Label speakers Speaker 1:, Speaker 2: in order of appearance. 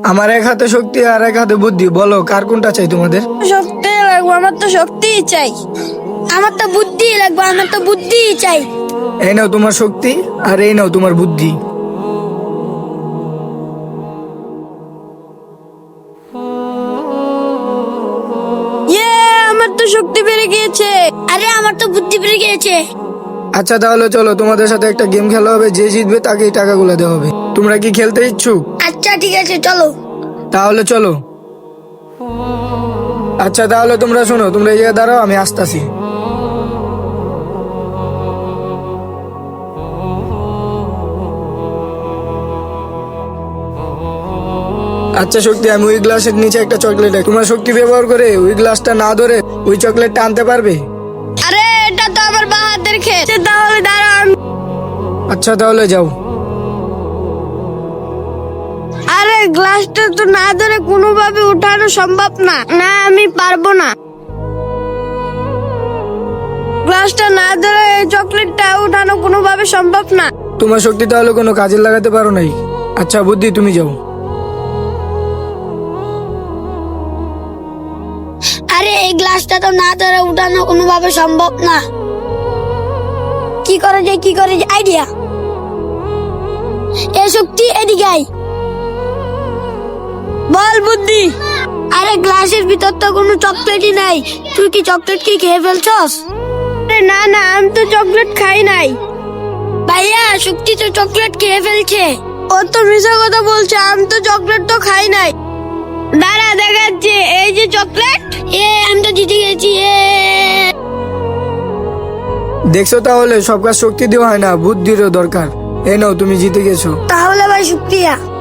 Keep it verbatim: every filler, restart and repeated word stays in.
Speaker 1: আমার এক হাতে শক্তি আর এক হাতে বুদ্ধি, বলো কার কোনটা চাই তোমাদের?
Speaker 2: শক্তি লাগবে, আমার তো শক্তি চাই। আমার তো বুদ্ধি লাগবে, আমার তো বুদ্ধি চাই।
Speaker 1: এই নাও তোমার শক্তি আর এই নাও তোমার বুদ্ধি।
Speaker 2: ইয়ে, আমার তো শক্তি বেড়ে গিয়েছে। আরে আমার তো বুদ্ধি বেড়ে গিয়েছে।
Speaker 1: আচ্ছা তাহলে চলো, তোমাদের সাথে একটা গেম খেলা হবে, যে জিতবে তাকেই টাকাগুলো দেওয়া হবে। তোমরা কি খেলতে ইচ্ছুক?
Speaker 2: আচ্ছা ঠিক আছে, চলো।
Speaker 1: তাহলে চলো। আচ্ছা তাহলে তোমরা শোনো, তোমরা এই জায়গায় দাঁড়াও, আমি আসতেছি। আচ্ছা শক্তি, আমি ওই গ্লাসের নিচে একটা চকলেট রাখি। তোমার শক্তি ব্যবহার করে ওই গ্লাসটা না ধরে ওই চকলেটটা আনতে পারবে?
Speaker 2: আরে এটা তো আমার বাঁ হাতের খেল। তাহলে দাঁড়ান।
Speaker 1: আচ্ছা তাহলে যাও।
Speaker 2: আরে গ্লাসটা তো না ধরে কোনোভাবে উঠানো সম্ভব না। না, আমি পারবো না। গ্লাসটা না ধরে এই চকলেটটা উঠানো কোনোভাবে সম্ভব না।
Speaker 1: তোমার শক্তি তাহলে কোনো কাজে লাগাতে পারো নাই। আচ্ছা বুদ্ধি, তুমি যাও।
Speaker 2: আরে এই গ্লাসটা তো না ধরে উঠানো কোনোভাবে সম্ভব না। কি করে যায়, কি করে যায়, আইডিয়া। এ শক্তি, এদিকে আয়। বল বুদ্ধি। আরে গ্লাসের ভিতর তো কোনো চকলেটই নাই। তুই কি চকলেট কি খেয়ে ফেলছস? আরে না না, আমি তো চকলেট খাই নাই। ভাইয়া, শক্তি তো চকলেট খেয়ে ফেলছে। ও তো মিছা কথা বলছে, আমি তো চকলেট তো খাই নাই। দাঁড়া দেখাচ্ছে, এই যে চকলেট। এ আমি তো জিতে গেছি। এ
Speaker 1: দেখছো তাহলে সব কাজ শক্তি দেওয়া হয় না, বুদ্ধিরও দরকার। এই নাও, তুমি জিতে গেছো।
Speaker 2: তাহলে ভাই শুক্রিয়া।